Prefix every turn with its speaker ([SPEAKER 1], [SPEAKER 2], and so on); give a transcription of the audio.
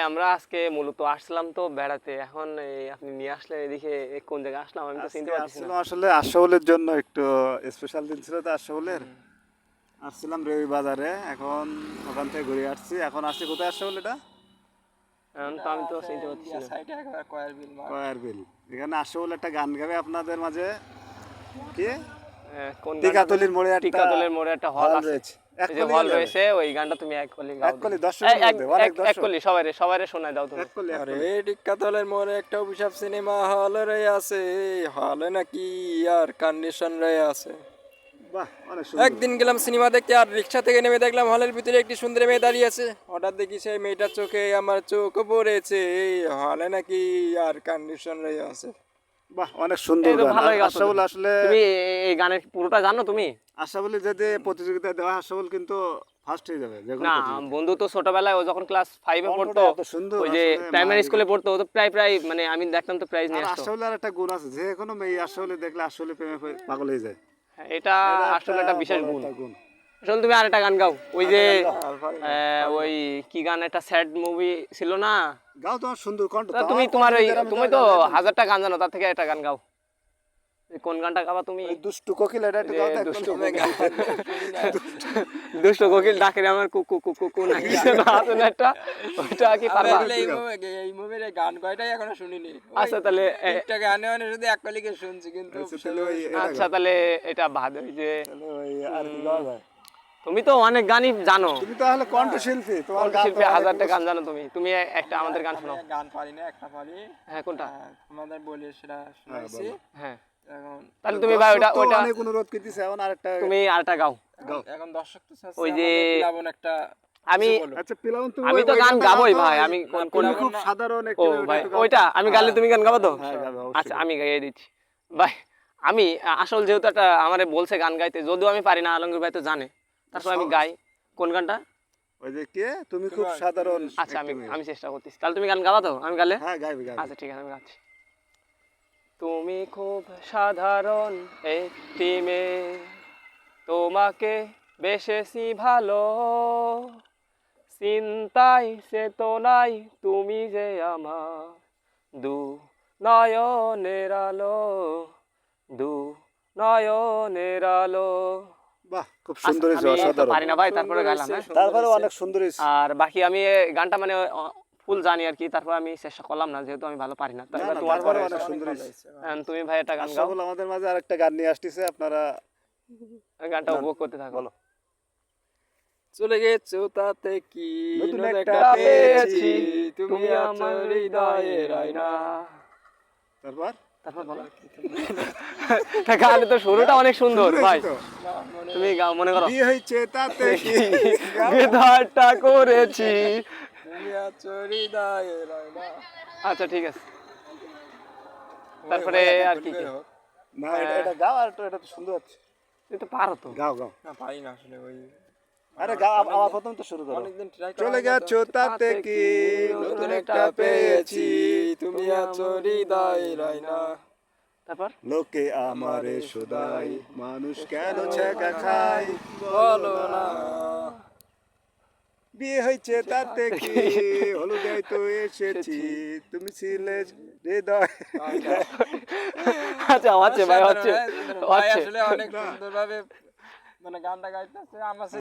[SPEAKER 1] আমরা আজকে মূলত আসলাম তো বেড়াতে, এখন এই আপনি নিয়ে আসলেন এদিকে, কোন জায়গায় আসলাম আমি তো চিনতে পারছি না।
[SPEAKER 2] আসলে আশরাফুলের জন্য একটু স্পেশাল দিন ছিল তো আশরাফুলের। আসছিলাম রেবি বাজারে, এখন ওখান থেকে ঘুরে আসছি। এখন আসছি কোথায় আশরাফুল এটা?
[SPEAKER 1] এখন তো আমি তো চিনতে পারছি না।
[SPEAKER 2] কয়ার বিল। এখানে আশরাফুল একটা গান গাবে আপনাদের মাঝে। কি?
[SPEAKER 1] কোন
[SPEAKER 2] টিকাতলির মোড়ে একটা
[SPEAKER 1] টিকাতলের মোড়ে একটা হল আছে,
[SPEAKER 2] রয়েছে। এক
[SPEAKER 1] এই যে
[SPEAKER 2] কলি
[SPEAKER 1] হল
[SPEAKER 2] গেলে
[SPEAKER 1] রয়েছে, ওই গানটা তুমি এক কলি গাও।
[SPEAKER 2] এক কলি দর্শক অনেক
[SPEAKER 1] এক
[SPEAKER 2] দর্শক।
[SPEAKER 1] কলি সবাইরে সবাইরে শোনায় দাও তুমি।
[SPEAKER 2] এক কলি এক
[SPEAKER 3] আরে
[SPEAKER 2] কলি।
[SPEAKER 3] টিক্কাতলের মোড়ে একটা অভিশাপ সিনেমা হল রয়ে আছে, হলে নাকি আর কন্ডিশন রয়ে আছে।
[SPEAKER 2] বাহ, অনেক সুন্দর।
[SPEAKER 3] একদিন গেলাম সিনেমা দেখতে, আর রিক্সা থেকে নেমে দেখলাম হলের ভিতরে একটি সুন্দর মেয়ে দাঁড়িয়ে আছে। হঠাৎ দেখি সেই মেয়েটার চোখে আমার চোখ পড়েছে, হলে নাকি আর কন্ডিশন রয়ে আছে।
[SPEAKER 2] বাহ, অনেক সুন্দর
[SPEAKER 1] এই তো
[SPEAKER 2] গান।
[SPEAKER 1] ভালোই গাও তো
[SPEAKER 2] আশরাফুল
[SPEAKER 1] তুমি।
[SPEAKER 2] আসলে
[SPEAKER 1] তুমি এই গানের পুরোটা জানো তুমি?
[SPEAKER 2] আশরাফুল যদি প্রতিযোগিতায় দেওয়া হয়, আশরাফুল কিন্তু ফার্স্ট হয়ে যাবে যে কোনো
[SPEAKER 1] না,
[SPEAKER 2] প্রতিযোগিতায়।
[SPEAKER 1] বন্ধু তো ছোটবেলায় ও যখন ক্লাস 5 এ পড়তো,
[SPEAKER 2] কণ্ঠটা এত সুন্দর,
[SPEAKER 1] ওই যে
[SPEAKER 2] আসলে
[SPEAKER 1] প্রাইমারি
[SPEAKER 2] মায়ের
[SPEAKER 1] স্কুলে পড়তো, ও তো প্রায় মানে আমি দেখতাম তো প্রাইজ নিয়ে
[SPEAKER 2] আর
[SPEAKER 1] আসতো।
[SPEAKER 2] আশরাফুলের একটা গুণ আছে, যে কোনো মেয়ে আশরাফুল দেখলে আশরাফুল প্রেমে পাগল হয়ে যায়।
[SPEAKER 1] হ্যাঁ, এটা আসলে একটা বিশেষ
[SPEAKER 2] বড়
[SPEAKER 1] গুণ।
[SPEAKER 2] একটা গুণ।
[SPEAKER 1] আসলে তুমি আরেকটা গান গাও, ওই যে ওই কি গান, একটা স্যাড মুভি ছিল না?
[SPEAKER 2] গাও, তোমার সুন্দর কণ্ঠ।
[SPEAKER 1] তা তুমি তোমার ওই তুমি তো 1000টা গান জানো, তার থেকে একটা গান গাও। এই কোন গানটা গাবা তুমি?
[SPEAKER 2] ওই দুষ্টু কোকিল, এটা একটু
[SPEAKER 1] যে
[SPEAKER 2] গাও তো।
[SPEAKER 1] দুষ্টু দুষ্টু কোকিল ডাকে রে আমার কুকু কুকু কু না কি যেন আছে না একটা, ওইটা কি পারবা?
[SPEAKER 3] এই মুভির গান কয়টাই এখনো শুনিনি।
[SPEAKER 1] আচ্ছা তাহলে
[SPEAKER 3] একটা গানে মানে শুধু এক কলিকে শুনছি, কিন্তু
[SPEAKER 1] আচ্ছা তাহলে এটা বাদ, ওই যে
[SPEAKER 2] ওই আর কি গাওয়া যায়?
[SPEAKER 1] তুমি তো অনেক গানই জানো,
[SPEAKER 2] তুমি তাহলে কণ্ঠশিল্পী, তোমার গান তো
[SPEAKER 1] শিল্পী,
[SPEAKER 2] অনেক
[SPEAKER 1] 1000টা গান জানো তুমি। তুমি একটা আমাদের গান শোনাও।
[SPEAKER 3] গান পারি না, একটা পারি।
[SPEAKER 1] হ্যাঁ কোনটা?
[SPEAKER 3] আমাদের বলি সেটা শুনাইছি।
[SPEAKER 1] হ্যাঁ
[SPEAKER 3] এখন
[SPEAKER 1] তাহলে তুমি ভাই ওইটা
[SPEAKER 2] দর্শক তো
[SPEAKER 1] ওইটা
[SPEAKER 2] অনেক অনুরোধ করতেছে, এখন আরেকটা
[SPEAKER 1] তুমি আরেকটা গাও।
[SPEAKER 2] গাও।
[SPEAKER 3] এখন দর্শক তো চাচ্ছে
[SPEAKER 1] ওই যে
[SPEAKER 3] আমাদের প্লাবন একটা
[SPEAKER 1] আমি
[SPEAKER 2] আচ্ছা পিলাউন, তুমি
[SPEAKER 1] আমি তো
[SPEAKER 2] ওই
[SPEAKER 1] গান
[SPEAKER 2] গানটা
[SPEAKER 1] গাবোই
[SPEAKER 2] গাও তো,
[SPEAKER 1] ভাই, আমি কোন কোন
[SPEAKER 2] তুমি খুব সাধারণ
[SPEAKER 1] ও
[SPEAKER 2] একটু
[SPEAKER 1] ভাই
[SPEAKER 2] একটু গাও তো।
[SPEAKER 1] ওইটা আমি গালে তুমি গান গাবো তো?
[SPEAKER 2] হ্যাঁ, গাবে, অবশ্যই
[SPEAKER 1] আচ্ছা আমি গাইয়ে দিচ্ছি ভাই। আমি আসল যেহেতু একটা আমারে বলছে গান গাইতে, যদিও আমি পারি না, আলমগীর ভাই তো জানে, তারপর আমি গাই। কোন গানটা?
[SPEAKER 2] ওই যে কে, তুমি খুব সাধারণ।
[SPEAKER 1] আচ্ছা আমি চেষ্টা করতেছি, তাহলে তুমি গান গাবা তো আমি গালে?
[SPEAKER 2] হ্যাঁ, গাইবে গাইবে।
[SPEAKER 1] আচ্ছা ঠিক আছে আমি গাচ্ছি। তুমি খুব সাধারণ একটি মেয়ে, তোমাকে বেশেছি ভালো, চিন্তাই চেতনাই তুমি যে আমার দু নয়নের আলো, দু নয়নের আলো।
[SPEAKER 2] বাহ, খুব সুন্দর হয়েছে,
[SPEAKER 1] আমি তো
[SPEAKER 2] অসাধারণ।
[SPEAKER 1] পারি না ভাই, তারপরে গাইলাম। হ্যাঁ
[SPEAKER 2] তারপরে অনেক সুন্দর হয়েছে।
[SPEAKER 1] আর বাকি আমি এই গানটা মানে ফুল জানি আর কি, তারপর আমি চেষ্টা করলাম না, যেহেতু আমি ভালো পারি না। তারপর তোমার
[SPEAKER 2] তারপরে
[SPEAKER 1] পরে
[SPEAKER 2] অনেক সুন্দর হয়েছে।
[SPEAKER 1] তুমি ভাই একটা গান গাও,
[SPEAKER 2] আশরাফুল আমাদের মাঝে আরেকটা গান নিয়ে আসতেছে, আপনারা
[SPEAKER 1] গানটা উপভোগ করতে থাকো।
[SPEAKER 2] বলো।
[SPEAKER 3] চলে গেছো তাতে কি,
[SPEAKER 2] নতুন
[SPEAKER 3] নতুন
[SPEAKER 2] একটা
[SPEAKER 3] একটা
[SPEAKER 1] পেয়েছি,
[SPEAKER 3] পেয়েছি, তুমি আমার হৃদয়ের আয়না।
[SPEAKER 2] তারপর
[SPEAKER 1] তারপর বলো। গানে তো শুরুটা অনেক সুন্দর ভাই,
[SPEAKER 2] তো,
[SPEAKER 1] তুমি গাও, মনে করো
[SPEAKER 2] বিয়ে হয়েছে তাতে কি।
[SPEAKER 1] বিধারটা করেছি।
[SPEAKER 3] তুমি আছো হৃদয়ের আয়না।
[SPEAKER 1] আচ্ছা ঠিক আছে, তারপরে আর কি কি?
[SPEAKER 2] না, এটা গাও, আর তো এটা তো সুন্দর হচ্ছে।
[SPEAKER 1] তুমি তো পারো তো।
[SPEAKER 2] গাও গাও,
[SPEAKER 3] না পারি না আসলে, ওই
[SPEAKER 2] আরে গাও, আবার প্রথম তো শুরু করো।
[SPEAKER 3] অনেকদিন ট্রাই
[SPEAKER 2] চলে গেছো তাতে কি,
[SPEAKER 3] নতুন একটা পেয়েছি, তুমি আছো হৃদয়ের আয়না।
[SPEAKER 1] তারপর
[SPEAKER 2] লোকে আমারে সদাই, মানুষ কেন ছেঁকা খায়,
[SPEAKER 3] বলো না।
[SPEAKER 2] বিয়ে হয়েছে তাতে কি, হলুদে তো এসেছি, তুমি ছিলে হৃদয়।
[SPEAKER 1] আচ্ছা হচ্ছে ভাই, হচ্ছে
[SPEAKER 3] ভাই
[SPEAKER 1] হচ্ছে।
[SPEAKER 3] আসলে অনেক সুন্দরভাবে মানে গানটা গাইতেছে আমার